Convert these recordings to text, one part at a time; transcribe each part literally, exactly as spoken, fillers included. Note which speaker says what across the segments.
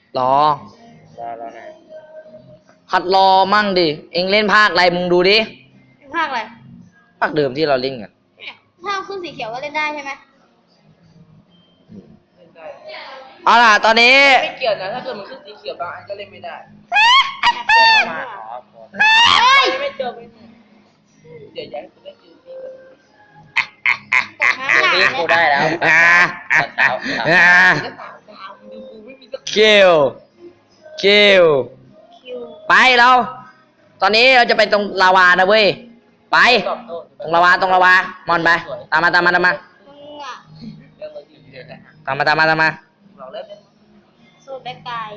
Speaker 1: รอ
Speaker 2: รอรอหน่อย
Speaker 1: หัดรอมั่งดิเอ็งเล่นภาคอะไรมึงดูดิ
Speaker 3: ภาคอะไร
Speaker 1: ภาคเดิมที่เราเล่นกัน
Speaker 3: เนี่ยถ้าขึ้นสีเขียวก็เล่นได้ใช่ไหม
Speaker 2: เล่นได้
Speaker 1: เอาล่ะตอนนี้
Speaker 2: ไม่เกี่ยวนะถ้าเกิดมันขึ้นสีเขียวบางอันก็เล่นไม่ได้มาอ๋อ
Speaker 3: เฮ้ย
Speaker 2: ไม่เจอไม่เดี๋ยวย้ายกูได้จืดดี
Speaker 3: นี่
Speaker 2: กูได้แล้ว
Speaker 1: อ่าอ่าอ่าอ่าเกลเกลไปเราตอนนี้เราจะไปตรงลาวานะเว้ยไปตรงลาวาตรงลาวามอนไปตามมาตามมาตามมาตามมาตามมาตามมา
Speaker 3: สูตรแบกไก่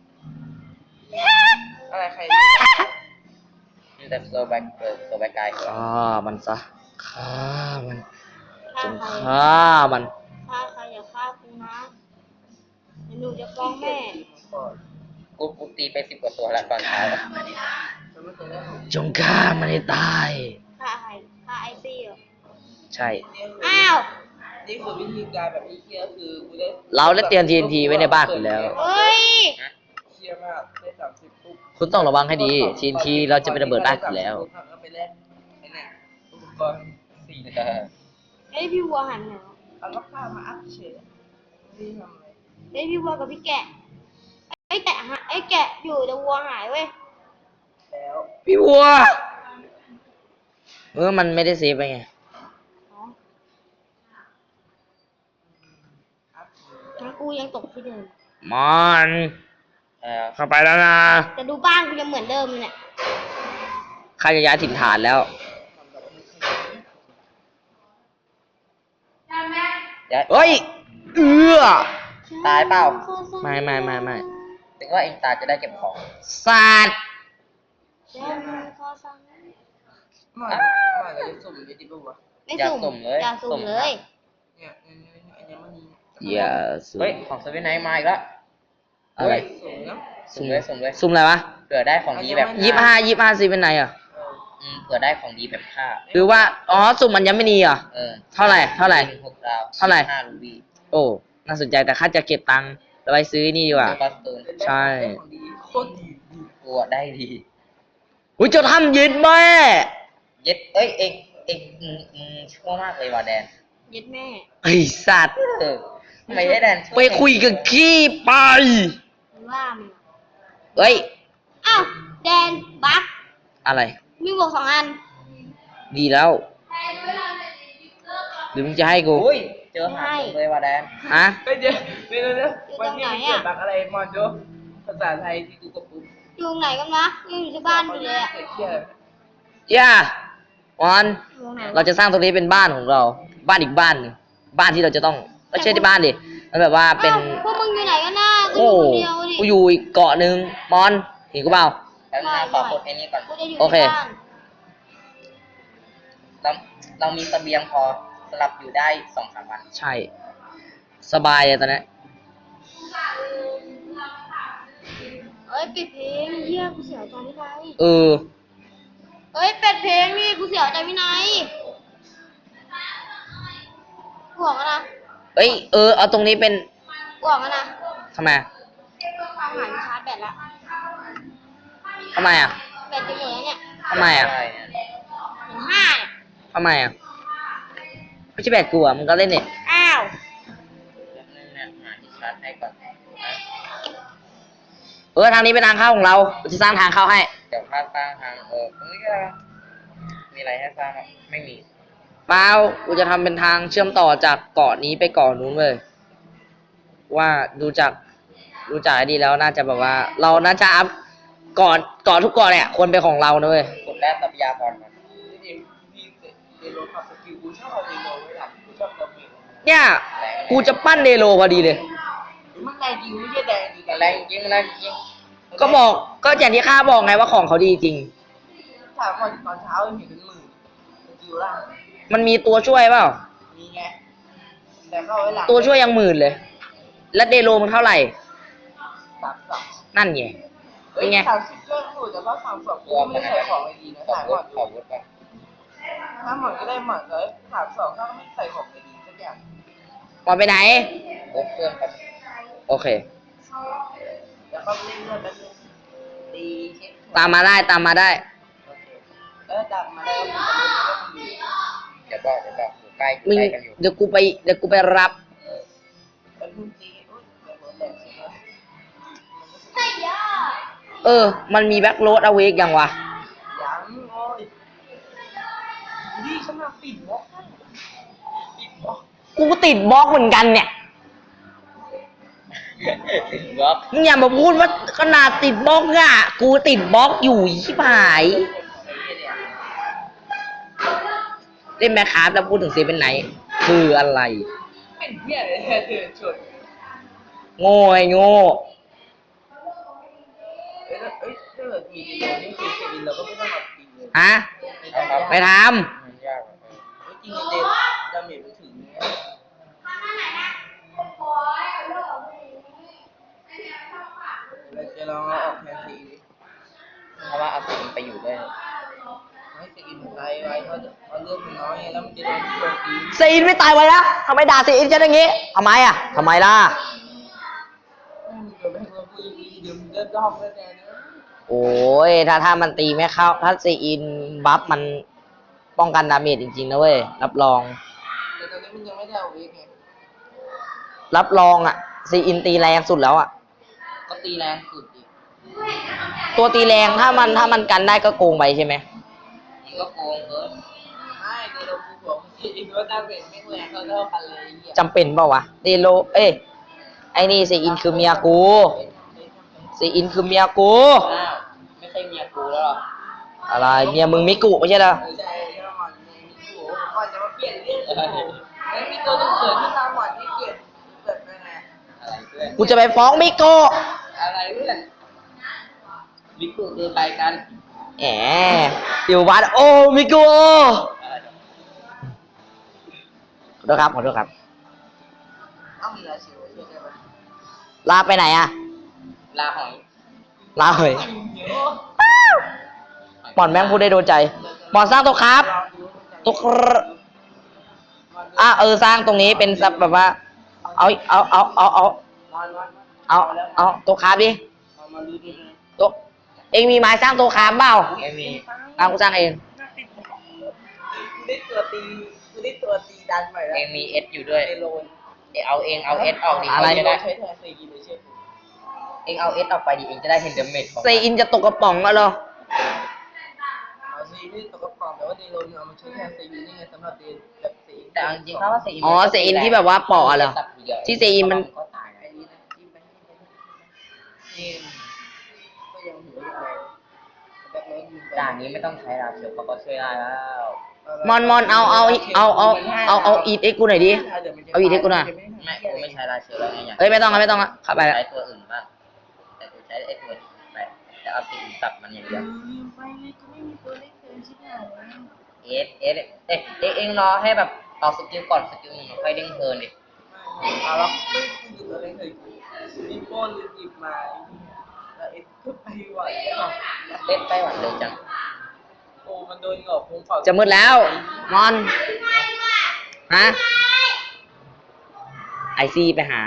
Speaker 2: อะไรใครนี่แต่โซแบกโซแบกไก่
Speaker 1: ฆ่ามันซะฆ่ามันจงฆ่ามัน
Speaker 3: ฆ่าใครอย่าฆ่ากูนะเดี๋ยวหนูจะฟ้องแม่
Speaker 2: กูกูตีไปสิบกว่าตัวแล้วตอนเช้า
Speaker 1: จงฆ่ามันให้ตาย
Speaker 3: ฆ่าใครฆ่าไอซี่เหรอ
Speaker 1: ใช่
Speaker 3: อ้าว
Speaker 2: นี่คือวิธีการแบบนี้เคียคือกูได้
Speaker 1: เราได้เตรียม ที เอ็น ที ไว้ในบ้านอยู่แล้ว
Speaker 3: เฮ้ย
Speaker 2: เคียมากได้สามสิบปุ๊บ
Speaker 1: คุณต้องระวังให้ดี ที เอ็น ที เราจะไประเบิดบ้านอยู่แล้ว
Speaker 2: ไปแลกไอ้เนี่ยอุปกรณ์สี่เออ
Speaker 3: เฮ้ยพี่วัวหันเหรอ
Speaker 2: เอาลูกค้ามาอัพเฉยนี่ทำอะไร
Speaker 3: เฮ้ยพี่วัวกับพี่แกะไอ้แกะไอ้แกะอยู่แต่วัวหายเว้ย
Speaker 2: แล้ว
Speaker 1: พี่วัวเออมันไม่ได้เซฟไปไง
Speaker 3: งั้นกูยังตกที่เดิม
Speaker 1: มันเข้าไปแล้วนะ
Speaker 3: แต่ดูบ้านกูยังเหมือนเดิมเลยเนี่ย
Speaker 1: ข้าจะย้ายถิ่นฐานแล้วเฮ้ยเอือ
Speaker 2: ตายเปล่า
Speaker 1: ไม่ไม่ไม่ไม่
Speaker 2: ถึงว่าเองตายจะได้เก็บของ
Speaker 1: ศาสตร์
Speaker 2: มามาเลยสุ่มเลยดิบุวะ
Speaker 3: อยากสุ่มเลยอยากสุ่มเลย
Speaker 2: เนี่ยอันนี้มัน
Speaker 1: อย่าสุ่ม
Speaker 2: เฮ้ยของเซเว่นไนท์มาอีกแล้ว
Speaker 1: อะไร
Speaker 2: สุ่มเลยสุ่มเลย
Speaker 1: สุ่มอะไรวะ
Speaker 2: เผื่อได้ของดีแบบ
Speaker 1: ยี่สิบห้ายี่สิบห้าซีเป็นไงอ่ะ
Speaker 2: อืมเผื่อได้ของดีแบบผ้า
Speaker 1: หรือว่าอ๋อสุ่มมันยังไม่มีอ่ะ
Speaker 2: เออ
Speaker 1: เท่าไหร่เท่าไหร่
Speaker 2: หกดาว
Speaker 1: เท่าไหร่
Speaker 2: ห้ารูบี้
Speaker 1: โอ้น่าสนใจแต่ข้าจะเก็บตังค์แล้วไปซื้อนี่ดีกว่าใช่
Speaker 2: โคตรดีกลัวได้ดี
Speaker 1: อุ้ยจะทำยึดแม่
Speaker 2: ยึดเอ้ยเอ็งเอ็งอืมอืมชั่วมากเลยว่ะแดน
Speaker 3: ยึดแม่
Speaker 1: ไอสัตว์
Speaker 2: เออไม่ได้แดน
Speaker 1: ไปคุยกับขี้ไป
Speaker 3: ว่ามึง
Speaker 1: เฮ้ย
Speaker 3: อ้าวแดนบัค
Speaker 1: อะไร
Speaker 3: มีบวกสองอัน
Speaker 1: ดีแล้วหรือมึงจะให้กู
Speaker 2: อุ้ยเจอหาเลยว่ะแดน
Speaker 1: ฮะ
Speaker 2: ไม่เจอไม่รู้นะวันนี้มีเกิดบักอะไรมอนโจภาษาไทยที่กูกระปุก
Speaker 3: อยู่ไหนกันนะยังอยู่ที่บ้านอยู่เลยอ่ะ
Speaker 1: ย่าวันเราจะสร้างตรงนี้เป็นบ้านของเราบ้านอีกบ้านบ้านที่เราจะต้องไม่ใช่ที่บ้านดิมันแบบว่าเป็น
Speaker 3: พวกมึงอยู่ไหนกันนะ
Speaker 1: โอ้กูอยู่อีกเกาะหนึ่งมอนเห็นกูเปล่า
Speaker 2: แล้วหน้าขอคนไอ้นี่ก่อน
Speaker 1: โอเค
Speaker 2: เราเรามีเสบียงพอสำหรับอยู่ได้สองสามวัน
Speaker 1: ใช่สบายเลยตอนนี้
Speaker 3: เอ้ยปิดเพลงเยี่ยกูเสียใจพี่ไน
Speaker 1: เออ
Speaker 3: เอ้ยปิดเพลงนี่กูเสียใจพี่ไนห่วงนะ
Speaker 1: เอ้ยเออเอาตรงนี้เป็น
Speaker 3: ห่วงนะ
Speaker 1: ทำไม
Speaker 3: เอาหายชาร์จแบตละ
Speaker 1: ทำไมอ่ะ
Speaker 3: แบตจะหมดแล้วเนี่ย
Speaker 1: ทำไมอ่ะ
Speaker 3: ห้า
Speaker 1: ทำไมอ่ะไม่ใช่แบตกูอ่ะมึงก็เล่นเนี่ย
Speaker 3: อ้าว
Speaker 1: เออทางนี้เป็นทางเข้าของเราเราจะสร้างทางเข้าให้
Speaker 2: เดี๋ยวพาสร้างทางเออตรงนี้ก็มีอะไรให้สร้างไม่มี
Speaker 1: เปล่ากูจะทำเป็นทางเชื่อมต่อจากเกาะนี้ไปเกาะนู้นเลยว่าดูจากดูจากไอ้ดีแล้วน่าจะแบบว่าเราน่าจะอัพเกาะเกาะทุกเกาะเนี่ยควรเป็นของเรานะเว้ย
Speaker 2: กดแร่ทรัพยากรก่อน
Speaker 1: เนี่ยกูจะปั้นเดโลพอดีเลย
Speaker 2: มันแรงจริงไม่ใช่แดงจริงแรงจริงแรงจริง
Speaker 1: ก็บอกก็อย่างที่ข้าบอกไงว่าของเขาดีจริง
Speaker 2: ถามว่าตอนเช้าเห็นเป็นหมื่นจิวล่า
Speaker 1: มันมีตัวช่วยเปล่า
Speaker 2: มีไงแต่เข้าไว้หลัง
Speaker 1: ตัวช่วยยังหมื่นเลยแล้วเดโลมันเท่าไหร่
Speaker 2: สามสอง
Speaker 1: นั่นไง
Speaker 2: เป็นไงสามสิบเรื่องถูกแต่ว่าสามสองตัวไม่ใส่ของดีนะสายหมดขอวุฒิไปถ้าหมดก็ได้หมดเลยสามสองถ้าไม่ใส่ของดีสักอย่าง
Speaker 1: หมดไปไหน
Speaker 2: เพื่อนครับ
Speaker 1: โอเค
Speaker 2: เก็เล่นเลือดแป๊บนึงตีเช็ค
Speaker 1: ตามมาได้ตามมาได้
Speaker 2: โอเคเออจับมาแล้วมันจะรู้ว่ามันอยู่เดี๋ยวบอกเดี๋ยวบอกอยู่ใกล้อยู่
Speaker 1: มึง
Speaker 2: ใกล้กันอยู่
Speaker 1: เดี๋ยวกูไปเดี๋ยวกูไปรับ
Speaker 2: แป๊บนึงตีอุ้ยเดี๋ยวโดนแดดใช่ไหม
Speaker 3: ใช่ย่า
Speaker 1: เออ มันมีแบ็คโรดเอาเวกยังวะ
Speaker 2: ยังโอ้ยดีฉันมาปิดบล็อกให้ปิดบล็อก
Speaker 1: กูก็ติดบล็อกเหมือนกันเนี่ย
Speaker 2: ปิดบล็อก
Speaker 1: มึงอย่ามาพูดว่าขนาดติดบล็อกอะกูติดบล็อกอยู่ชิบหาย เล่นแมคคราฟแล้วพูดถึงเซเป็นไหน คืออะไร
Speaker 2: เป็นเหี้ยเลยเธอชน
Speaker 1: โง่ไอ้โง่
Speaker 2: เอ้ยแล้วเอ้ยถ้าเกิดมีดีเลยนี่คือเซวินเราก็ไม่ต้องมาตีเลย
Speaker 1: ฮะ
Speaker 2: ไม่
Speaker 1: ไป
Speaker 2: ทำ
Speaker 1: ท
Speaker 2: มันยากอะเฮ้ยจริงๆเดนดาเมจมันถึงเนี่ย เราจะลองเอาออกแทนซีดิเพราะว่าเอาซีอินไปอยู่ด้วยให้ซีอินไปไว้เพราะเพราะเลือดมันน้อยไงแล้วมันจะโดนโจมตี
Speaker 1: ำเซอินไม่ตายไว้แล้วทำไมด่าเซอินฉันอย่างงี้ทำไมอะทำไมล่ะ
Speaker 2: ไม่มีตัวแม่งเราพูดอีกเดี๋ยวมันจะดอกแล้วแน่เนอะ
Speaker 1: โอ้ย ถ้าถ้ามันตีไม่เข้า ถ้าเซอินบัฟมันป้องกันดาเมจจริงๆนะเว้ย รับรอง
Speaker 2: แต่ตอนนี้มันยังไม่ได้เอาเวกไง
Speaker 1: รับรองอะเซอินตีแรงสุดแล้วอะ
Speaker 2: ก็ตีแรงสุดดิ
Speaker 1: ตัวตีแรงถ้ามันถ้ามันกันได้ก็โกงไปใช่ไหม
Speaker 2: มันก็โกงเกินไม่เดี๋ยวเราพูดบอกซีอินว่าดาเมจแม่งแรงเท่าเท่ากันเลยไอ้เหี้ย
Speaker 1: จำเป็นเปล่าวะเดโล เอ้ย ไอ้นี่เซอินคือเมียกูเซอินคือเมียกู
Speaker 2: อ้าวไม่ใช่เมียกูแล้วหรอ
Speaker 1: อะไร เมียมึงมิกุไม่ใช่เหรอ
Speaker 2: ไม่ใช่ที่เราหมอนในมิโกะก่อนจะมาเปลี่ยนเรื่องแล้วมีตัวต้องเขินที่ตามหมอนที่เปลี่ยนเกิดไปไงอะไรเพื่อน
Speaker 1: กูจะไปฟ้องมิกุ
Speaker 2: อะไรเพื่อนมิโกะคือไปกัน
Speaker 1: แหมอยู่บ้านโอ้มิกุขอโทษครับขอโทษครับ
Speaker 2: ต้องมีราชิวช่วยได้ไหม
Speaker 1: ลาไปไหนอะ
Speaker 2: ลาหอย
Speaker 1: ลาเฮ้ยหมอนแม่งพูดได้โดนใจหมอนสร้างตัวครับตัวครอ่ะเออสร้างตรงนี้เป็นแบบว่า เอาเอาเอาเอาเอา
Speaker 2: นอนนอน
Speaker 1: เอาเอาตัวครับดิ
Speaker 2: เอามาดูดู
Speaker 1: ตัวเองมีไม้สร้างตัวครับเปล่า
Speaker 2: ไม่มี
Speaker 1: อ่ะกูสร้างเอง
Speaker 2: กูได้ตัวตีกูได้ตัวตีดันใหม่แล้วเองมีเอสอยู่ด้วยเอโลนเอาเองเอาเอสออกดิ
Speaker 1: อะไร
Speaker 2: จะได้ใช้แทนซีกินเลยเชื่อกูเองเอาเอสออกไปดิเองจะได้เห็นเดเมจของ
Speaker 1: เซอินจะตกกระป๋องแล้วเหรอ
Speaker 2: เอาซีนี่ตกกระป๋องแต่ว่าเดโลนเอามาใช้แทนซีกินนี่ไงสำหรับเดนแบบซีแต่จริงๆเขาว่าซี
Speaker 1: อ๋อเซอินที่แบบว่าปอกอะเหรอที่เซอินมัน
Speaker 2: ก็ตายไอ้นี่นะจิ้มไปจิ้มก็ยังหัวอยู่เลยแบบนี้ยิงไปด่านนี้ไม่ต้องใช้ราเชลเขาก็ช่วยได้แล้ว
Speaker 1: มอนมอนเอาเอาเอาเอาเอาเอาอีทเอ็กกูหน่อยดิ เอาอีทให้กูหน่อย
Speaker 2: ไม่กูไม่ใช้ราเชลแล้วไงอยาก
Speaker 1: เอ้ยไม่ต้องอะไม่ต้องอะเข้าไปแล้ว
Speaker 2: ใช้ตัวอื่นบ้างแต่กูใช้ไอ้ตัวนี้ไปแต่เอาสิ่งตัดมันอย่างเดียวไปเลยกูไม่มีตัวเล็กเกินชิบหายเอสเอสเอ๊ะเอ๊ะเองรอให้แบบออกสกิลก่อนสกิลหนึ่งค่อยเด้งเทิร์นดิเอาแล้วไม่กูอยู่ตัวเล็กเลยมีโป้นหรือหยิบมาแล้วเอสก็ไปไหวอ่ะเล่นไปหวานเลยจังโอ้มันโดนหงอกพุงเผา
Speaker 1: จะมืดแล้ว มอน ฮะ ไอซีไปหา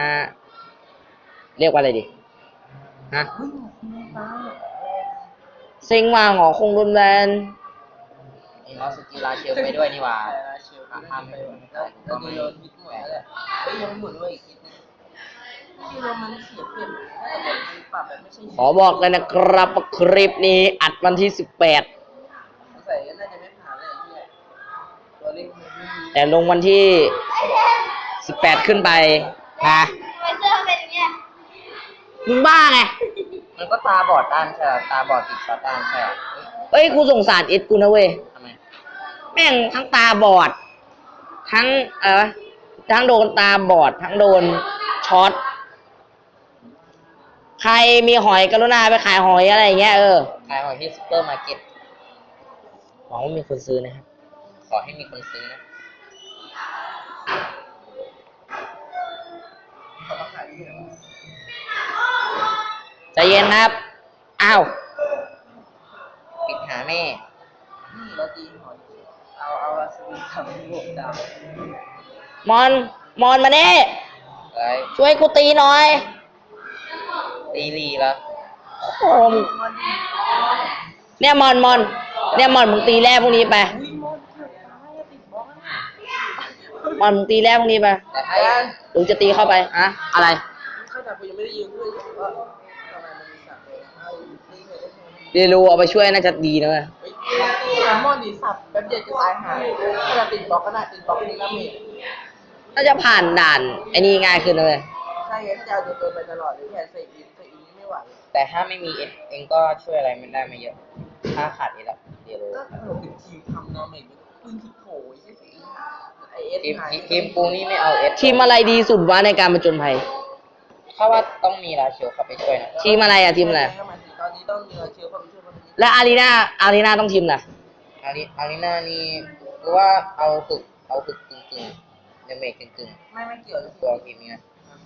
Speaker 1: เรียกว่าอะไรดิ ฮะ
Speaker 2: เฮ้ยหงอกพุงฟ้า
Speaker 1: เซ็งว่าหงอคงรุนแรง
Speaker 2: เองเอาสกิลราเชลไปด้วยนี่หว่าห้ามไปแล้วดูโดนยิงหมดแล้วแหละเฮ้ยยังหมุนไว้อีกนิดนึงที่เรามันเสียเปรียบแต่แบบมันปรับแบบไม่ใช่
Speaker 1: ขอบอกเลยนะครับว่าคลิปนี้อัดวันที่สิบแปด
Speaker 2: ใส่น่าจะไม่ผ่านเลยที่ตัวเล็กมันไม่มี
Speaker 1: แต่ลงวันที่สิบแปดขึ้นไปนะ
Speaker 3: ทำไมเสื้อเป็นอย่างเงี้ย
Speaker 1: มึงบ้าไง
Speaker 2: มันก็ตาบอดด้านใช่ไหมตาบอดติดช็อตด้านใช่ไหม
Speaker 1: เอ้ย กูสงสารเอ็ดกูนะเว้ย
Speaker 2: ทำไม
Speaker 1: แม่งทั้งตาบอด ทั้งเออทั้งโดนตาบอด ทั้งโดนช็อต ใครมีหอยกรุณาไปขายหอยอะไรอย่างเงี้ยเออ
Speaker 2: ขายหอยที่ซุปเปอร์มาร์เก็ต
Speaker 1: หวังว่ามีคนซื้อนะครับ
Speaker 2: ขอให้มีคนซื้อนะเขามาขายที่ไหนวะ
Speaker 1: ใจเย็นครับ อ้าว
Speaker 2: ปิดหาแม่นี่เราตีหอยเอาเอาอาสวินทำบวกดาว
Speaker 1: มอน มอนมาเนี่
Speaker 2: อะไร
Speaker 1: ช่วยกูตีหน่อย
Speaker 2: ตีตีลีแล้ว
Speaker 1: โอ้มเนี่ยมอนมอนเนี่ยมอนมึงตีแร่พวกนี้ไป
Speaker 4: อุ้ยมอนเกือบตายอะติดบล็อกอะ
Speaker 1: มอนมึงตีแร่พวกนี้ไป
Speaker 2: แต่ถ้ายัง
Speaker 1: หรือจะตีเข้าไปอะอะไร
Speaker 4: เข้าใจกูยังไม่ได้ยิงด้วยว่าทำไมมันมีสับเลยเอาตีเลยได้ไหม
Speaker 1: เรียนรู้เอาไปช่วยน่าจะดีนะเว้ย
Speaker 4: เฮ้ยแซลมอนนี่สับแป๊บเดียวจะตายหาถ้าเราติดบล็อกก็ได้ติดบล็อกนี่ก็มี
Speaker 1: น่าจะผ่านด่านไอ้นี่ง่ายขึ้นนะเลย
Speaker 4: ใช่ไงถ้าจะเอาตัวไปตลอดหรือแค่ใส่อินใส่อินนี่ไม่ไหว
Speaker 2: แต่ถ้าไม่มีเอสเองก็ช่วยอะไรไม่ได้ไม่เยอะ ถ้าขาดเอสอะเดี๋ยวรู้
Speaker 4: ก็เราเป็นทีมทำนาเมกปืนที่โผล่ใช่สิไอเอส
Speaker 2: ทีม
Speaker 4: หาย
Speaker 2: ทีมปูนี่ไม่เอาเอส
Speaker 1: ทีมอะไรดีสุดวะในการผจญภัย
Speaker 2: ถ้าว่าต้องมีราเชลเข้าไปช่วยนะ
Speaker 1: ทีมอะไรอะทีมอะไร
Speaker 4: ตอนนี้ต้องมีเชียร์เข้าไปช่วยคนนี้
Speaker 1: และอารีนาอารีนาต้องทีมไหน
Speaker 2: อาริอาริน่านี่กูว่าเอาฝึกเอาฝึกกึ่งกึ่งเดเมจกึ่งกึ่ง
Speaker 4: ไม่ไม่เกี่ยวเลย
Speaker 2: ตัวทีมนี้นะ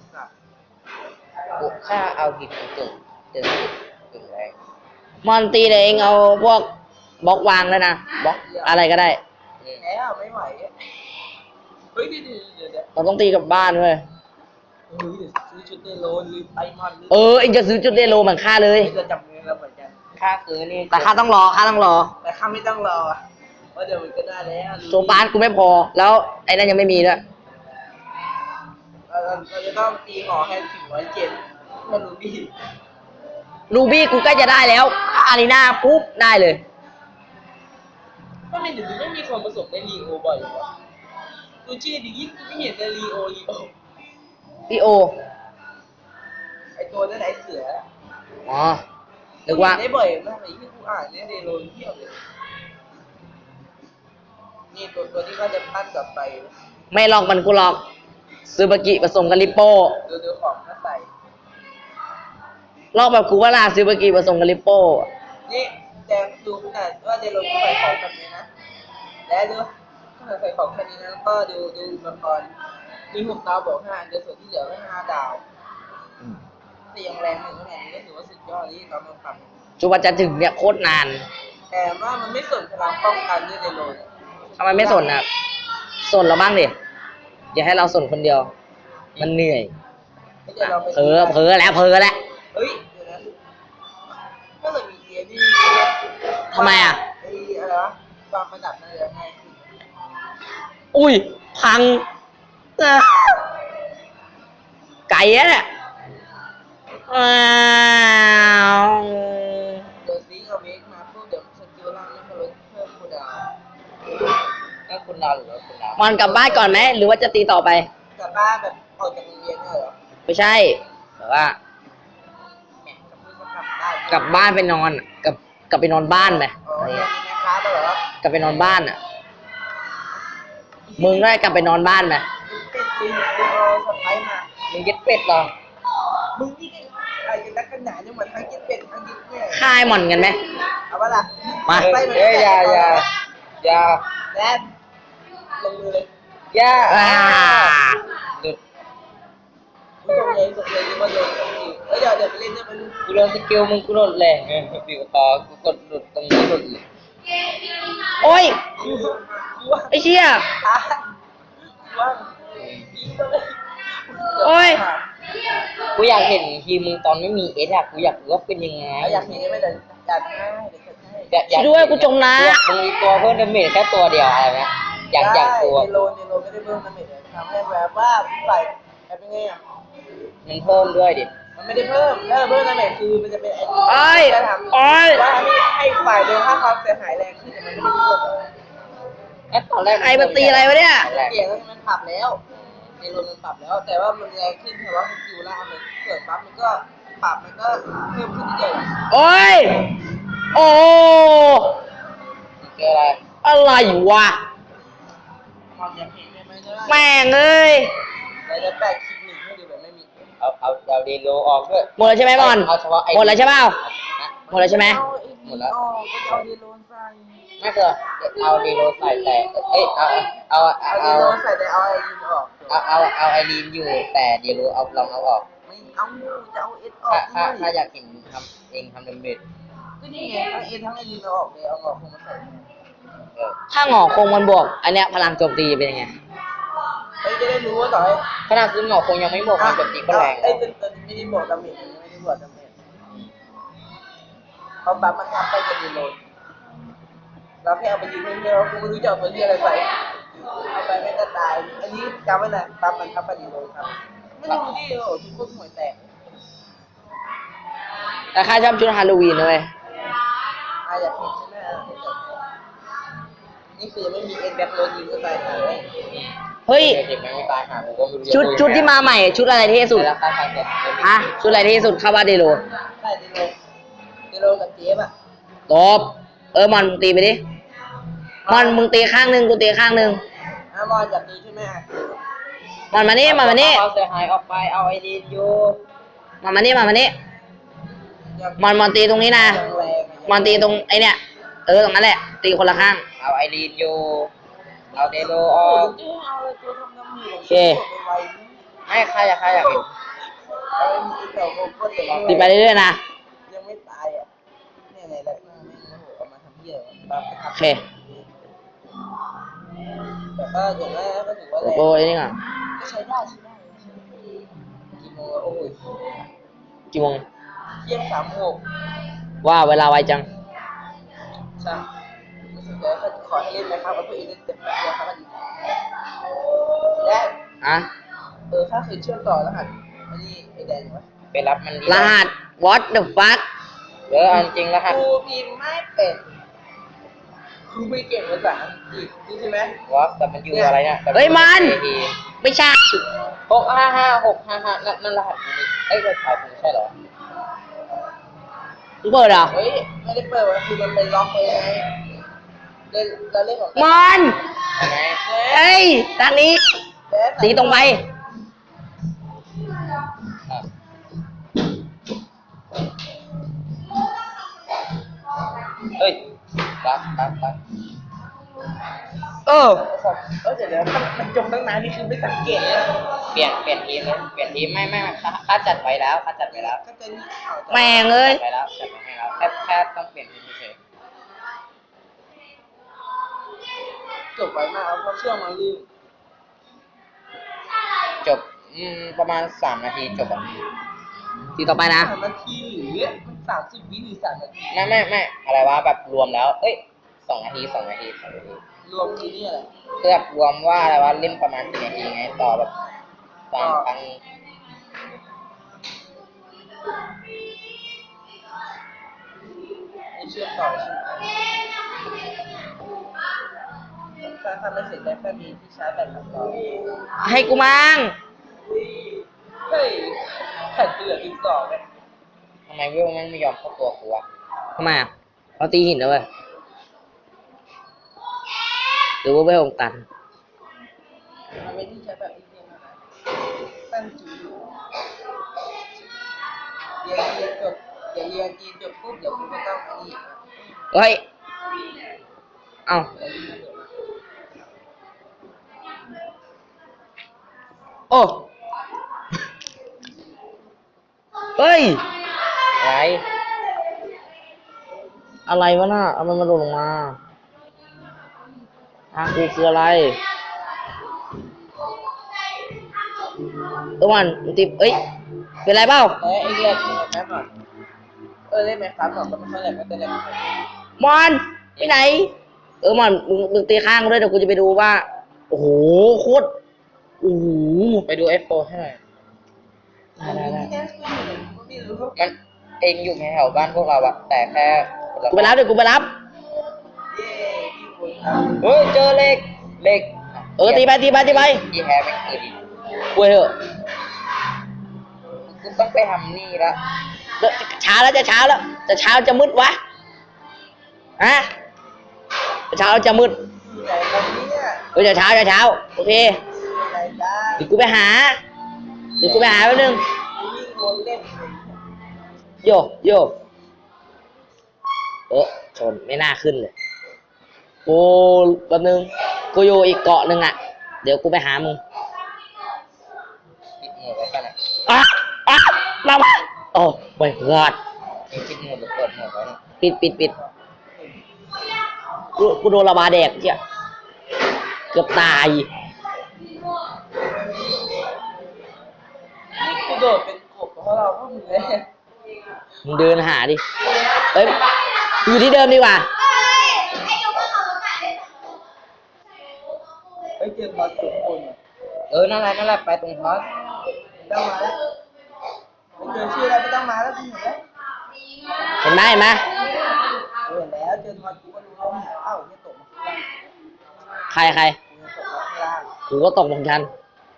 Speaker 2: กูถ้าเอาทีมกึ่งกึ่งกึ่งกึ่งแรง
Speaker 1: มอนตีเลยเองเอาพวกบล็อกวางแล้วนะบล็อกอะไรก็ได้
Speaker 2: อืม
Speaker 4: แล้วไม่ไหวเฮ้ยเดี๋ยวเดี๋ยวเดี๋ยว
Speaker 1: เราต้องตีกับบ้านเว้ย
Speaker 4: เฮ้ยเดี๋ยวซื้อชุดเดโลนหรือไอมอน
Speaker 1: เออเองจะซื้อจุดเดโลเหมือนค่าเลย
Speaker 4: จะจำเงินเราเหมือนกัน
Speaker 2: ค่าซื้อนี่
Speaker 1: แต่ค่าต้องรอค่าต้องรอ
Speaker 4: แต่ข้าไม่ต้องรอว่าเดี๋ยวมันก็ได้แล้ว
Speaker 1: โซบาสกูไม่พอ แล้วไอ้นั่นยังไม่มีด้วย
Speaker 4: เราเราจะต้องตีหอให้ถึงร้อยเจ็ดมาดูดิ
Speaker 1: รูบี้กูใกล้จะได้แล้วอารีนาปุ๊บได้เลย
Speaker 4: ก็ไม่เดี๋ยวนี้ไม่มีคนผสมได้ลีโอบ่อยหรอดูชื่อดิยิ่งไม่เห็นแต่ลีโอลีโอ
Speaker 1: พี่โอ
Speaker 4: ไอตัวนั้นไอเสือ
Speaker 1: อ๋อ นึกว่า
Speaker 4: ได้บ่อยมากเลยที่กูอ่านเนี่ยเดโลนเที่ยวเลยนี่ตัวตัวที่เขาจะปั้นกลับไป
Speaker 1: ไม่ลอกมันกูหลอกซูบากิผสมกับลิปโป้
Speaker 4: ดูดูของเขาใส่
Speaker 1: ลอกแบบกูว่าลาซูบากิผสมกับลิปโป้
Speaker 4: นี่แจงดูขนาดว่าเดโลนใส่ของแบบนี้นะ แล้วดูขนาดใส่ของแค่นี้นะแล้วก็ดูดูอุปกรณ์มีหกดาวบอกห้าเดี๋ยวส่วนที่เหลือก็ห้าดาวแต่ยังแรงหนึ่งขนาดนี้ก็ถือว่าสุดยอดที่เรามาทำ
Speaker 1: จุบันจะถึงเนี่ยโคตรนาน
Speaker 4: แต่ว่ามันไม่สนพลังป้องกันด้วยเดโลน
Speaker 1: ทำไมไม่สนอ่ะสนเราบ้างดิอย่าให้เราสนคนเดียว มันเหนื่อย
Speaker 4: ไม่เดี๋ยวเราไป
Speaker 1: เผลอเผลอแล้วเผลอแล้ว
Speaker 4: เฮ้ยเดี๋ยวนะถ้าเกิดมีเดียนี่
Speaker 1: ทำไมอ่ะ
Speaker 4: ไอ้อะไรวะวางประดับน่าจะง่ายขึ้น
Speaker 1: อุ้ย พังเอ้อไก่อะเนี่ยอ้าว
Speaker 4: เดี๋ยวซีกับเมกมาพวกเดี๋ยวสกิลล่างนี่ก็ลดเพิ่มคูลดาวน์
Speaker 2: ถ้าคุณดาวหรือว่าคุณดาว
Speaker 1: มันกลับบ้านก่อนไหมหรือว่าจะตีต่อไป
Speaker 4: กลับบ้านแบบออกจากโรงเรียนเนี่ยเหรอ
Speaker 1: ไม่ใช่แต่ว่า
Speaker 4: แหมกับเพื่อนก็กลับได้
Speaker 1: กลับบ้านไปนอนกลับกลับไปนอนบ้านไหม
Speaker 4: อ๋อ
Speaker 1: อะไร
Speaker 4: เรียน
Speaker 1: เงี้ย
Speaker 4: ในแม่ค้าเหรอก
Speaker 1: ลับไปนอนบ้านอ่ะ มึงได้กลับไปนอนบ้านไหม
Speaker 4: เป็นปีนเป็นเอาสไปร์มา
Speaker 2: มึงยึดเป็ดเหรอ
Speaker 4: มึงนี่ไงอะไรกันนักกันหนาเนี่ยเหมือนทั้งกินเป็ดทั้งกินเนี่ย
Speaker 1: ค่ายหม่อนกันไหม
Speaker 4: เอาวะล่ะ
Speaker 1: มา
Speaker 4: ไปเหมือน
Speaker 2: เอ้ยอย่าอย่าอย่า
Speaker 4: แดนลงมือเลย
Speaker 2: อย่า
Speaker 1: อ่า
Speaker 2: หลุด
Speaker 4: มึงส่งเลยส่งเลยที่มันลงส่งอีกเอ้ยเดี๋ยวเดี๋ยวไปเล่นด้วยไปดู
Speaker 2: กูโดนสกิลมึงกูโดนแรงไงบิวคอกูกดหลุดตรงนี้หลุดเลย
Speaker 1: โอ้ย
Speaker 4: กูกูว่า
Speaker 1: ไอ้เชี่ย
Speaker 4: อ่ะกูว่ายิงไปเลย
Speaker 1: โอ้ย
Speaker 2: กูอยากเห็นทีมมึงตอนไม่มีเอสอะกูอยากรู้ว่าเป็นยังไง
Speaker 4: เอาอยากเห็นไหมเดี๋ยวจัดให้เดี๋ยวจัดให้
Speaker 2: อยากอยาก
Speaker 1: ช่วยด้วยกูจมน้ำ
Speaker 2: อยากมึงมีตัวเพิ่มดาเมจแค่ตัวเดียวอะไรนะอยากอยากตัว
Speaker 4: ได้เดโลเดโลไม่ได้เพิ่มดาเมจเลยทำให้แบบว่าใส่แบบเป็นไงอ่ะ
Speaker 2: มันเพิ่มด้วยดิ
Speaker 4: มันไม่ได้เพิ่มถ้าเพิ่มดาเมจคือมันจะเป็นไอ้
Speaker 1: โอ้ย
Speaker 4: จะทำ
Speaker 1: โอ้ย
Speaker 4: ว่าให้ให้ฝ่ายโดนค่าความเสียหายแรงขึ้นแต่มันไม่ได้เพิ่ม
Speaker 2: เอ๊ะตอนแรก
Speaker 1: ไอ้มันตีอะไรวะเนี่ย
Speaker 2: ตอนแรก
Speaker 4: เปลี่ยนแล้วมันปรับแล้วเดโลมันปรับแล้ว แต่ว่ามันแรงขึ้นเพราะว่าสกิลล่างมันเกิดปั๊บมันก็ปรับมันก็เพิ่มขึ้นเรื่อยๆ
Speaker 1: โอ้ย โอ้
Speaker 2: เจออะไร
Speaker 1: อะไรวะ
Speaker 4: ความอยากเห็นได้ไหมจะได้
Speaker 1: แม่งเอ้ย
Speaker 4: เราจะแปะคลิปหนึ่งให้ดูแบบไม่มี
Speaker 2: เอาเอาเอาเดโลออกด้วย
Speaker 1: หมดแล้วใช่ไหมบอล
Speaker 2: เอาเฉพาะไอ้
Speaker 1: หมดแล้วใช่เปล่า
Speaker 2: ฮะ
Speaker 1: หมดแล้วใช่ไหม
Speaker 4: เอาไอ้
Speaker 2: หมดแล้ว
Speaker 4: ออกก็จะเอาเดโลนใส่
Speaker 2: ไม่เจอเอาเดโลใส่แต่เอ้ยเอาเอาเอา
Speaker 4: เอาเด
Speaker 2: เอา
Speaker 4: โลนใส่แต่เอาไอ้ยินออก
Speaker 2: เอาเอาเอาไอรีนอยู่แต่เดโลเอาลองเอาออก
Speaker 4: ไม่เอาจะเอาเอสออ
Speaker 2: ถ้าก ถ้า
Speaker 4: ด้วย
Speaker 2: ถ้าอยากเห็นทำเองทำดาเมจ
Speaker 4: ก็นี่ไงทั้งเอทั้งไอ้ยินเอาออกเลยเอาออกคงมาใส่
Speaker 2: เออ
Speaker 1: ถ้าหงอคงมันบวก อันเนี้ยพลังโจมตีเป็นยังไง
Speaker 4: เฮ้ยจะได้รู้ว่าต่อให้
Speaker 2: ขนาดซื้อหงอกคงยังไม่หมดมันแบบนี้ก็แรง
Speaker 4: ไอ้
Speaker 2: แล้ว
Speaker 4: ตัวตัวนี้ไม่ได้บอกดาเมจอันนี้ไม่ได้บอกดาเมจเขาบัฟมันทับไปจะดีโหลดเราแค่เอาไปยิงเพื่อนๆกูไม่รู้จะเอาตัวเหี้ยอะไรไปเอาไปไม่จะตายอันนี้จำไว้นะบัฟมันทับไปดีโหลดครับไม่รู้ดิโอ้ทุกคนหัวแตก
Speaker 1: แต่ข้าชอบชุดฮาโลวีนนะเว้ย
Speaker 4: อาอยากเห็นใช่ไหมอ่ะนี่คือยังไม่มีเอ็นแบ็คโรยิงก็ตายหาเลย
Speaker 1: เฮ้ย
Speaker 2: เด็กมันไม่ตายหาผมก็ไม่รู้
Speaker 1: ชุดชุดที่มาใหม่ ชุดอะไรเท่สุด
Speaker 2: แล้วค่าทางเด็ก
Speaker 1: ฮะชุดอะไรเท่สุดเข้าบ้านเดโล
Speaker 4: ใช่เดโลเดโลกับเจฟอ่ะ
Speaker 1: ตบเออมอนมึงตีไปดิมอนมึงตีข้างหนึ่งกูตีข้างหนึ่ง
Speaker 4: อามอนอยากดีใช่ไหมอ่ะ
Speaker 1: มอนมานี่มอนมานี่
Speaker 2: เอาเสียหายออกไปเอาไอรีนอยู่
Speaker 1: มอนมานี่มอนมานี่มอนมอนตีตรงนี้นะ
Speaker 4: ยังแรง
Speaker 1: มอนตีตรงไอเนี่ยเออตรงนั้นแหละ ตีคนละข้าง
Speaker 2: เอาไอรีนอยู่เอาเดโลอ
Speaker 4: โอ้
Speaker 2: อย ก
Speaker 4: เจ๊เอาเลยตัวทำน้ำมือ
Speaker 1: โอเค
Speaker 4: ไว
Speaker 2: ไม่ใครอยากใครอยากเห็น
Speaker 4: เอาไอ้มีเต่าโกโก้เดี๋ยว
Speaker 1: ตีไปเรื่อยๆนะ
Speaker 4: ยังไม่ตายอ่ะเนี่ยไงแล้วหน้าแม่งโอ้โหเอามาทำเหี้ยบัฟไป
Speaker 1: โอ
Speaker 4: ทำ
Speaker 1: เค
Speaker 4: แต่ก็อย่างนั้นก็ถือว่าแรง
Speaker 1: โอ้ยนี่ก่อน
Speaker 4: ก็ใช้ได้ใช้ได้กี่โมงแล้วโอ้ย
Speaker 1: กี่โมง
Speaker 4: เที่ยงสามหก
Speaker 1: ว่าเวลาไวจัง
Speaker 4: ใช่รู้สึกว่าเขาจะขอให้เล่นไหมครับเอาตัวเองเล่นเต็มตัวครับดีและ
Speaker 1: อ่ะ
Speaker 4: เออถ้าเคยเชื่อมต่อรหัสอันนี้ไอ้แดงไหม
Speaker 2: ไปรับมันดี
Speaker 1: รหัส what the fuck
Speaker 2: เออเอาจริงรหัส
Speaker 4: ครูพิมพ์ไม่เป็นครูไม่เก่งภาษาอังกฤษนี่ใช่ไหม
Speaker 2: วอฟแต่มันอยู่อะไรเนี่ย
Speaker 1: เฮ้ยมัน ไม่ใช่
Speaker 2: หกห้าห้าหกห้าห้านั่นนั่นรหัสมันนี่เอ้ยรหัสมันใช่เหรอ
Speaker 1: มึงเปิดเหรอ
Speaker 4: เฮ้ยไม่ได้เปิดคือมันเป็นล็อกเลยไงเล่นเราเล่นของ
Speaker 1: มอน
Speaker 2: ใช่ไหม
Speaker 1: เอ้ยทางนี้ตีตรงไป
Speaker 2: อ่ะเฮ้ยรับรับรับ
Speaker 1: เออ
Speaker 4: เออเดี๋ยวเดี๋ยวมันจมตั้งนานนี่คือไม่สังเกตเลย
Speaker 2: เปลี่ยนเปลี่ยนทีมเลยเปลี่ยนทีมไม่ไม่ไม่ค่าค่าจัดไว้แล้วค่าจัดไว้แล้ว
Speaker 4: ก็จะนี่ข่าวจะ
Speaker 1: แม่งเอ้ย
Speaker 2: จัดไว้แล้วจัดไว้ให้แล้วแค่แค่ต้องเปลี่ยนทีมเฉย
Speaker 4: จบไวมากเพราะเชื่อมาลืม
Speaker 2: ๆจบอืมประมาณสามนาทีจบอ่ะ
Speaker 1: ทีต่อไปนะ
Speaker 4: สามนาทีหรือมันสามสิบวิหรือสามนาที
Speaker 2: ไม่ไม่ไม่อะไรวะแบบรวมแล้ว เอ้ยสองนาทีสองนาทีสองนาที
Speaker 4: รวมทีนี่อะไร
Speaker 2: เพื่อรวมว่าอะไรวะเล่นประมาณกี่นาทีไงต่อแบบสามครั้ง
Speaker 4: ไม่เชื่อมต่อใช่ไหมถ้าทำไม่เสร็จได้แค่มีที่ใช้แบตกับต่อ
Speaker 1: ให้กูมั่ง
Speaker 4: เฮ้ยแผ่นเหลือสิบสองเนี่ย
Speaker 2: ทำไมวิวมันไม่ยอมเข้าตัวกูวะ
Speaker 1: ทำไมอ่ะเราตีหินนะเว้ยหรือว่าไม่องตัน
Speaker 4: มันไม่ที่ใช้แบบที่เรียนมานะตั้งจีนเรียนเรียนจบเดี๋ยวเรียนจีนจบปุ๊บเดี๋ยวคุณก็ต้องอันนี้
Speaker 1: เฮ้ย เอ้า โอ้ เฮ้ย
Speaker 2: อะไร
Speaker 1: อะไรวะน่ะเอามันมาหล่นลงมาทางกูคืออะไรตัวมันมึงติบเอ้ย เป็นไรเปล่า
Speaker 4: เอ้ยไอ้เรียนเรียนแป๊บหน่อยเออเล่นไหมครับหน่อยก็ไม่ค่อยแหลกก็จะแหลก
Speaker 1: มอนไปไหน เออมอนมึงมึงตีข้างกูด้วยเดี๋ยวกูจะไปดูว่า โอ้โห โคตร โอ้โห
Speaker 2: ไปดู เอฟ โฟร์ ให้หน่อย
Speaker 1: ได้ได้ได้
Speaker 4: ไม่รู้
Speaker 2: มันเองอยู่แถวๆบ้านพวกเราอะแต่แค่คนละ
Speaker 1: กูไปรับเดี๋ยวกูไปรับ
Speaker 4: เย้พี่คุณครับ
Speaker 2: เฮ้ยเจอเหล็กเหล็ก
Speaker 1: เออตีไปตีไปตีไป
Speaker 2: ที่แฮร์เป็นคือดี
Speaker 1: กูเถอะ
Speaker 2: กูต้องไปทำนี่ละ
Speaker 1: เดี๋ยวเช้าแล้วจะเช้าแล้ว จะเช้าจะมืดวะ ฮะจะเช้าจะมืด
Speaker 4: ใหญ่ตรงนี้เนี่ย
Speaker 1: เออจะเช้าจะเช้า โอเค
Speaker 4: ใหญ่ได้
Speaker 1: เดี๋ยวกูไปหา เดี๋ยวกูไปหาแป๊บนึง
Speaker 4: วิ่งวนเล่น
Speaker 1: โยโยเออชนไม่น่าขึ้นเลยกูแป๊บนึง กูอยู่อีกเกาะหนึ่งอ่ะ เดี๋ยวกูไปหามึง
Speaker 2: ปิดหมดไว้กันอะ
Speaker 1: อ่ะอ่ะมามาโอ้ไม่รอด
Speaker 2: มีปิดหมดหรือเปิดหมดไว้เนี่ย
Speaker 1: ปิดปิดปิดกูกูโดนระบาแดกเจ้ะเกือบตาย
Speaker 4: นี่กูโดดเป็นกบเพราะเขาเราก็มึงเลย
Speaker 1: มึงเดินหาดิเอ้ยอยู่ที่เดิมดีกว่า
Speaker 4: เฮ้ยเจอพอสทุกคนอ่ะ
Speaker 2: เออนั่นแหละนั่นแหละไปตรงพอส
Speaker 4: ไม่ต้องมาแล้วไม่เจอชื่อแล้วไม่ต้องมาแล้วคุณเห็นแล้ว
Speaker 1: เห็นไหมเห็นไหม
Speaker 4: เห็นแล้วเจอพอสกูก็รู้แล้วเอ้าเนี่ยตกมาข้างล่าง
Speaker 1: ใครใคร
Speaker 4: กูจะตกมาข้างล่าง
Speaker 1: กูก็ตกเหมือนกัน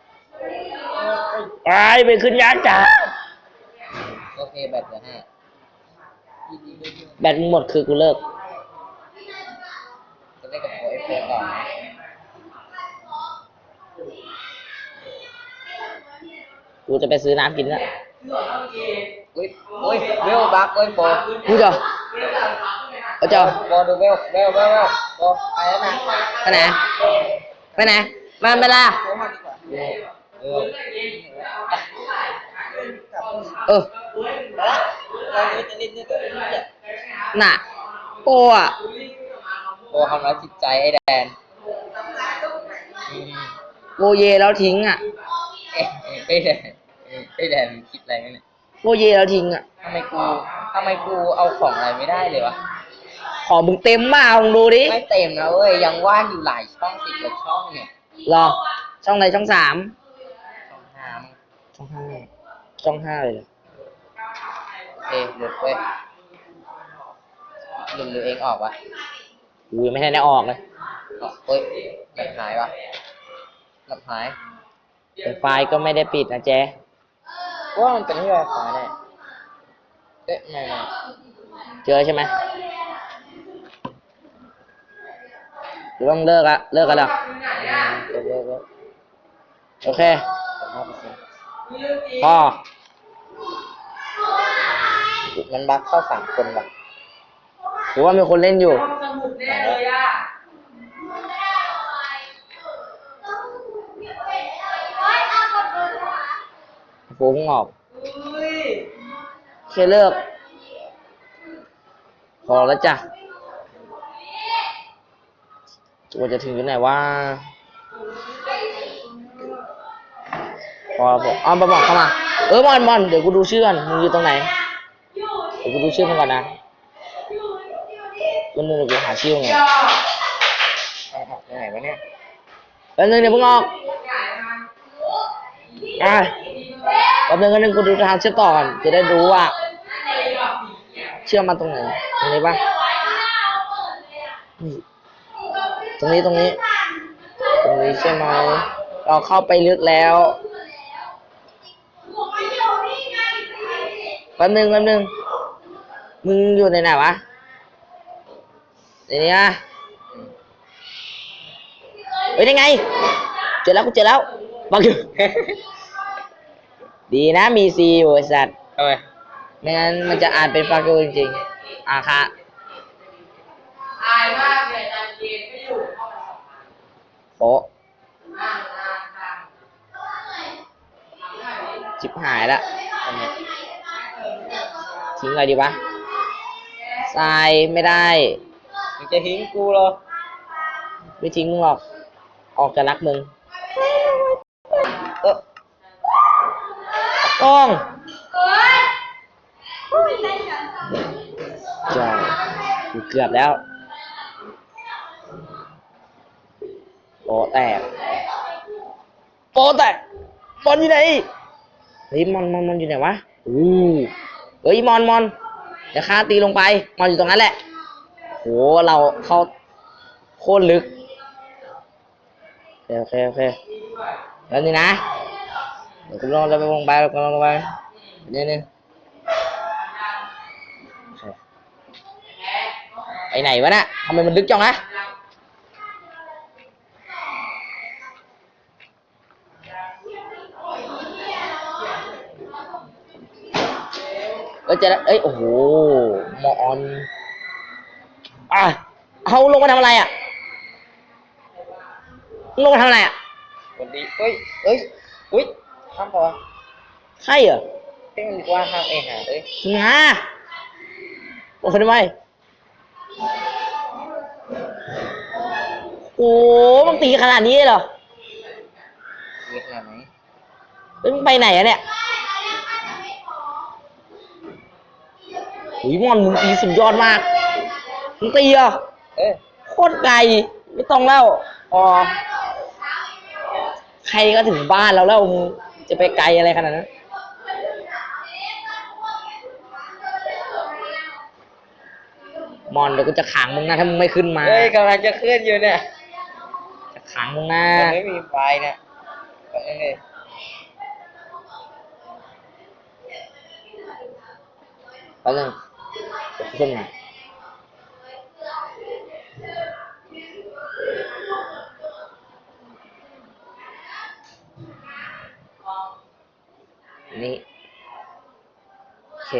Speaker 1: ไอ้ไปขึ้นยานจ้า
Speaker 2: โอเคแบตเหลือห้า
Speaker 4: ยินดีด้วย
Speaker 1: แบตมึงหมดคือกูเลิก
Speaker 2: จะได้กับโปรเอฟเฟอร์ต่อนะ
Speaker 1: กูจะไปซื้อน้ำกินแล้ว
Speaker 2: อุ้ยอุ้ยเวลบักเว้ยโปร
Speaker 1: กูจะเอาเจ้า
Speaker 2: โปรดูเวลเวลเวลเวลโปรไปแล้วนะ
Speaker 1: ไปไหนไปไหนมาเวลา
Speaker 4: โค้งมาดีกว่า
Speaker 2: เออ
Speaker 4: กลับ
Speaker 1: เออ
Speaker 4: แล้วเราจะเล่นด้วยกันเนี่ย
Speaker 1: น่ะโอ้อะ
Speaker 2: โปรทำร้ายจิตใจไอ้แดนอืม
Speaker 1: โบเยแล้วทิ้งอ่ะ
Speaker 2: เอ๊ะไอ้แดนไอ้แดนคิดอะไรกันเนี่ย
Speaker 1: โบเยแล้วทิ้งอ่ะ
Speaker 2: ทำไมกูทำไมกูเอาของอะไรไม่ได้เลยวะ
Speaker 1: ขอมึงเต็มมาลองดูดิ
Speaker 2: ไม่เต็มนะเว้ยยังว่างอยู่หลายช่องสิบกว่าช่องเนี่ย
Speaker 1: รอช่องไหนช่องสาม
Speaker 2: ช่องห้ามั้ง
Speaker 1: ช่องห้าช่องห้าเลยเหรอ
Speaker 2: โอเคหลุดเว้ยหลุดหรือเองออกวะ
Speaker 1: กูยังไม่ทันได้ออกเลย
Speaker 2: ออกเฮ้ยแบบหายวะแบบหาย
Speaker 1: แต่ไฟล์ก็ไม่ได้ปิดนะแจ๊
Speaker 2: ว่ามันเป็นที่ไวไฟแน่เอ๊ะไม่ไม่
Speaker 1: เจอใช่ไหมหรือว่ามึงเลิกละเลิกกันแล้ว
Speaker 2: เลิกเลิกเลิก
Speaker 1: โอเค
Speaker 2: สองห้าเปอร์เซ็นต์
Speaker 1: พอ
Speaker 2: มันบั๊กเข้าสามคนว่ะ
Speaker 1: หรือว่ามีคนเล่นอยู่
Speaker 2: ไหนวะ
Speaker 1: ฟุ้งออกโอเคเลิก พอแล้วจ้ะตัวจะถึงที่ไหนว่าพอผมเอามาบอกเข้ามา เออมอนมอนเดี๋ยวกูดูชื่อก่อนมึงอยู่ตรงไหน เดี๋ยวกูดูชื่อมึงก่อนนะมันนึงเดี๋ยวกูหาชื่อมึงไง
Speaker 2: เอาออกยังไงวะเนี่ย
Speaker 1: แป๊บนึงเดี๋ยวมึงออกอ่ะแป๊บนึงแป๊บนึงกูดูทางเชื่อมต่อก่อนจะได้รู้ว่า เชื่อมมาตรงไหนตรงนี้ปะนี่ตรงนี้ตรงนี้ ตรงนี้ใช่ไหมเราเข้าไปลึกแล้วแป๊บนึงแป๊บนึงมึงอยู่ในไหนวะในนี้นะเฮ้ยได้ไงเจอแล้วกูเจอแล้วบังอยู่ ดีนะมีซีอยู่ไอ้สัตว์
Speaker 2: ทำไม
Speaker 1: ไม่งั้นมันจะอ่านเป็นฟากูจริงๆอ่ะค่ะโป๊ะชิบหายละ
Speaker 2: ทำไม
Speaker 1: ทิ้งอะไรดีวะทรายไม่ได้
Speaker 2: มึงจะทิ้งกูเหรอ
Speaker 1: ไม่ทิ้งมึงหรอก ออกจะรักมึง
Speaker 2: เออ
Speaker 1: ต้องใช่กูเกือบแล้วโปะแตกโปะแตกมอนอยู่ไหนเฮ้ยมอนมอนมอนอยู่ไหนวะอู้เฮ้ยมอนมอนเดี๋ยวข้าตีลงไปมอนอยู่ตรงนั้นแหละโหเราเข้าโคตรลึกโอเคโอเคแล้วนี่นะเดี๋ยวกูลองจะไปลงไปลงลงไปเดี๋ยวนึงไปไหนวะน่ะทำไมมันลึกจังนะเอ้ยเจอแล้วเอ้ยโอ้โหมอนอ่ะเอาลงมาทำอะไรอ่ะลงมาทำอะไรอ่ะ
Speaker 2: คนดีเฮ้ยเอ้ยอุ้ยข้ามปะวะ
Speaker 1: ใช่เหรอ
Speaker 2: เฮ้ยมันว่าข้ามเองหาเอ้ย
Speaker 1: งาโอ้ยทำไมโอ้มันตีขนาดนี้เลยเหรอ
Speaker 2: มีขนาดไหน
Speaker 1: เฮ้ยมึงไปไหนอะเนี่ยหุยมอนมึงตีสุดยอดมากมึงตีอ่ะ
Speaker 2: เออ
Speaker 1: โคตรไกลไม่ต้องแล้วอ๋อใครก็ถึงบ้านแล้วแล้วมึงจะไปไกลอะไรขนาดนั้นมอนเดี๋ยวกูจะขังมึงนะถ้ามึงไม่ขึ้นมา
Speaker 2: เฮ้ยกำลังจะขึ้นอยู่เนี่ย
Speaker 1: จะขังมึงนะ
Speaker 2: มันไม่มีไฟเนี่ยก็นั่นเลย
Speaker 1: แป๊บนึงเดี๋ยวขึ้นมานี่โอเค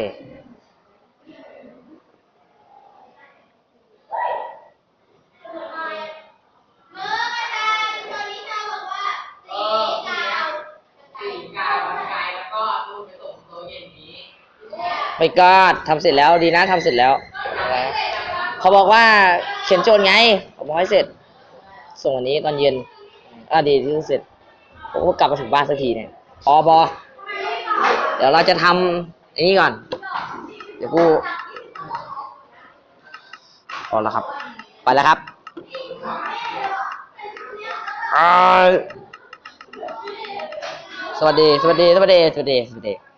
Speaker 1: ไปกอดทำเสร็จแล้วดีนะทำเสร็จแล้ว
Speaker 2: อะไรนะ
Speaker 1: เขาบอกว่าเขียนโจทย์ไงเขาบอกให้เสร็จ ส่งวันนี้ตอนเย็นอ่ะดีที่เสร็จผมก็กลับมาถึงบ้านสักทีเนี่ยพอบอเดี๋ยวเราจะทำอันนี้ก่อน เดี๋ยวกูพอแล้วครับ ไปแล้วครับอ่าสวัสดี สวัสดี สวัสดี สวัสดี สวัสดี